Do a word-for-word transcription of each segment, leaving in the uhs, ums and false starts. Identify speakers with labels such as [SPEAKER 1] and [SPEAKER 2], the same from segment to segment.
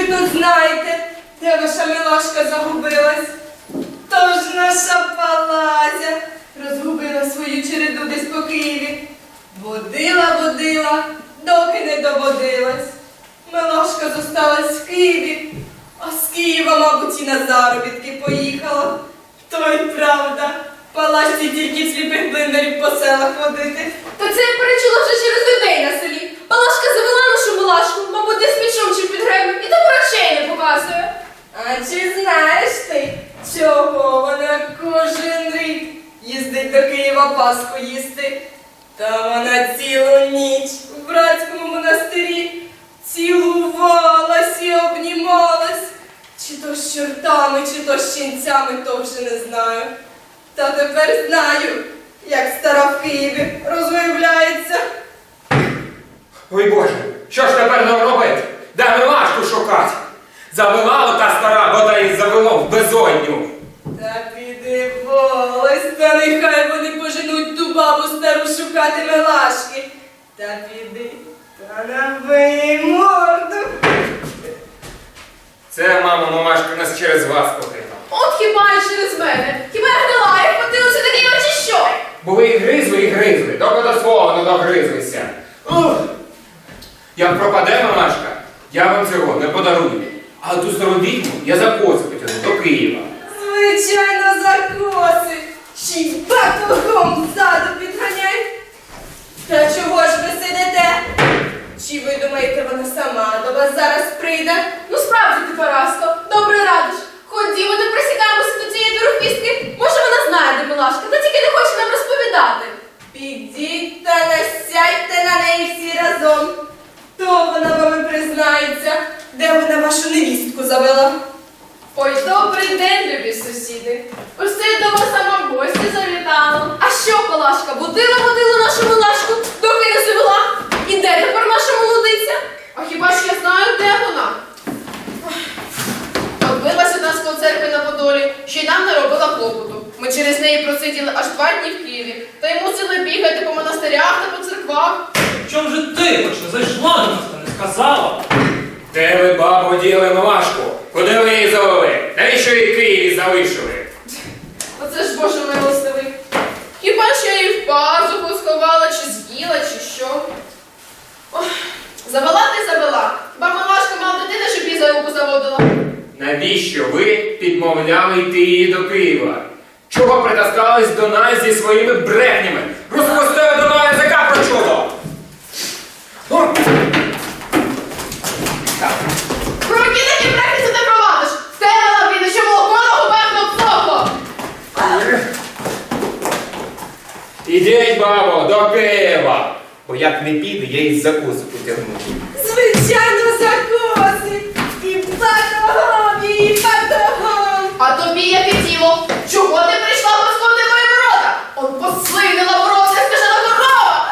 [SPEAKER 1] тут знаєте, де ваша милашка загубилась? Тож наша Палазя розгубила свою череду десь по Києві. Водила, водила, доки не доводилась. Милашка зосталась в Києві, а з Києва, мабуть, і на заробітки поїхала. То й правда, Палазці тільки сліпих блиндарів по селах водити.
[SPEAKER 2] Та це я перечула вже через людей на селі. Палашка завела нашу милашку, мабуть, десь мішом чи під гребом, і тому речей не показує.
[SPEAKER 1] А чи знаєш ти, чого вона кожен рік їздить до Києва Пасху їсти? Та вона цілу ніч в братському монастирі цілувалась і обнімалась. Чи то з чортами, чи то з ченцями, то вже не знаю. Та тепер знаю, як стара в Києві розвиявляється.
[SPEAKER 3] Ой Боже, що ж тепер нам робити? Де милашку шукати? Завела ота стара, вода їх завело в безодню.
[SPEAKER 1] Та піди волось, та нехай вони поженуть ту бабу стару шукати милашки. Та піди, та набий морду.
[SPEAKER 3] Це, мамо, мамашка нас через вас покинула.
[SPEAKER 2] От хіба і через мене. Хіба я гнила, як потилося такі очі що?
[SPEAKER 3] Бо ви і гризли, і гризли, доки до свого не догризлися. Ух! Як пропаде мамашка, я вам цього не подарую. А ту стару відьму я за коси потягну до Києва.
[SPEAKER 1] Звичайно, за коси. Ще й батогом ззаду підганяй. Та чого ж ви сидите? Чи ви думаєте, вона сама до вас зараз прийде?
[SPEAKER 2] Ну справді ти, Параско, добре радиш. Ходімо, то присікаємося до цієї дорофістки. Може вона знає, де милашка, та тільки не хоче нам розповідати.
[SPEAKER 1] Підіть та насядьте на неї всі разом. То вона вами признається, де вона вашу невістку завела.
[SPEAKER 2] Ой, добрий день, любі сусіди. Ось це до вас сама в гості завітала. А що, Палашка, будила, водила нашу милашку, доки не завела? І де тепер наша молодиця? А хіба ж я знаю, де вона? Odбилася нас по церкві на Подолі, ще й нам не робила клопоту. Ми через неї просиділи аж два дні в Києві, та й мусили бігати по монастирях та по церквах.
[SPEAKER 4] Чом же ти хоч не зайшла до нас та не сказала?
[SPEAKER 3] Де ви, бабу, діли милашку? Куди ви її завели? Навіщо її в Києві залишили?
[SPEAKER 2] Оце ж Боже милостивий. Хіба ж я її в пазуху сховала, чи з'їла, чи що? Ох, завела ти завела. Ба милашка мала дитина, щоб її за руку заводила.
[SPEAKER 3] Навіщо ви підмовляли йти її до Києва? Чого притаскались до нас зі своїми брехнями? Розпустили до мене язика про чудо! О!
[SPEAKER 2] Про які такі брехні ти провадиш? Стелила піде, що молоко на губах обсохло.
[SPEAKER 3] Ідіть, бабо, до Києва! Бо як не піде, я її за косу потягну.
[SPEAKER 1] Звичайно, за коси. І батогом, і батогом.
[SPEAKER 2] А тобі яке діло? Чого ти прийшла господи в мої ворота? Он послинила воротся, скажена корова.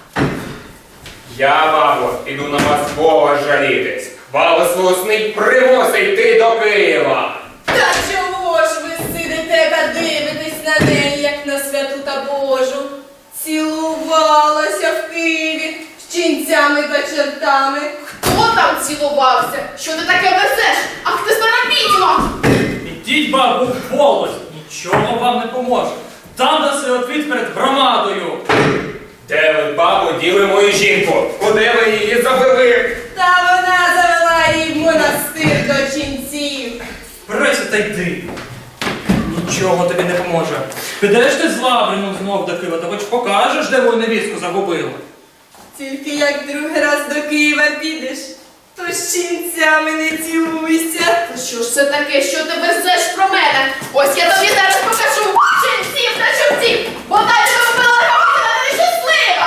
[SPEAKER 3] Я, бабо, піду на вас Бога жалітись. Валослусний примусить йти до Києва.
[SPEAKER 1] Та чого ж ви сидите та дивитесь на неї, як на святу та Божу? Цілувалася в Києві з ченцями та чертами.
[SPEAKER 2] Хто там цілувався? Що ти таке везеш? Ах ти стара відьма!
[SPEAKER 4] Ідіть, бабу, в полость, нічого вам не поможе. Там даси отвіт перед громадою.
[SPEAKER 3] Де ви, бабо, діли мою жінку? Куди ви її завели?
[SPEAKER 1] Та вона завела її в монастир до ченців.
[SPEAKER 4] Прися та йди. Нічого тобі не поможе. Підеш ти з Лаврином знов до Києва, та хоч покажеш, де мою невістку загубила.
[SPEAKER 1] Тільки як другий раз до Києва підеш, то з ченцями не цілуйся.
[SPEAKER 2] Та що ж це таке, що ти везеш про мене? Ось я тобі зараз покажу ченців та чортів, бо дай тебе вбила Гаврила, ти нещаслива!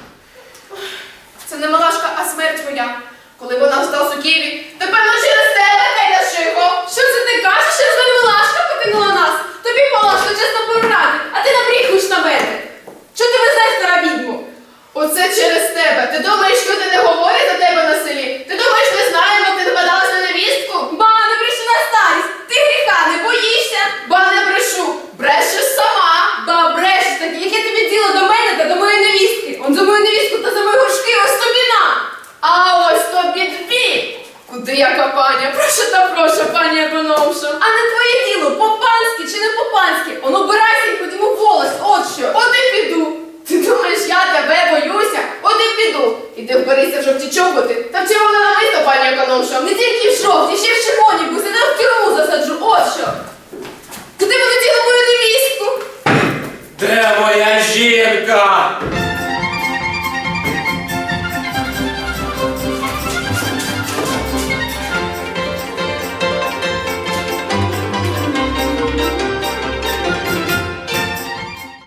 [SPEAKER 2] Це не милашка, а смерть твоя. Коли вона осталась у Києві, то певно через тебе, Геля Шихо. Що це ти кажеш, що ж не милашка покинула нас? Тобі, Палашко, чесно поради, а ти набріхуєш на мене. Що ти везеш, стара відьму? Оце через тебе. Ти думаєш, що ти не говорять за тебе на селі? Ти думаєш, ми знаємо, як ти нападалась на невістку? Ба, не брешу на старість. Ти гріха не боїшся? Ба, не брешу. Брешеш сама. Ба, брешеш. Так яке тобі діло до мене та до моєї невістки? Он за мою невістку та за мої горшки ось тобі на. А ось тобі дві. яка паня, прошу та прошу, пані економшу.
[SPEAKER 1] А не твоє діло, по-панськи чи не по-панськи. Он убирайся і ходімо в волость, от що.
[SPEAKER 2] От і піду. Ти думаєш, я тебе боюся? От і піду. Іди вберися в жовті чоботи. Та в червоне намисто, пані економша.
[SPEAKER 1] Не тільки в жовті, ще й в червоні, бо сюди в тюрму засаджу, от що. Куди ви хотіли мою невістку?
[SPEAKER 3] Де моя жінка?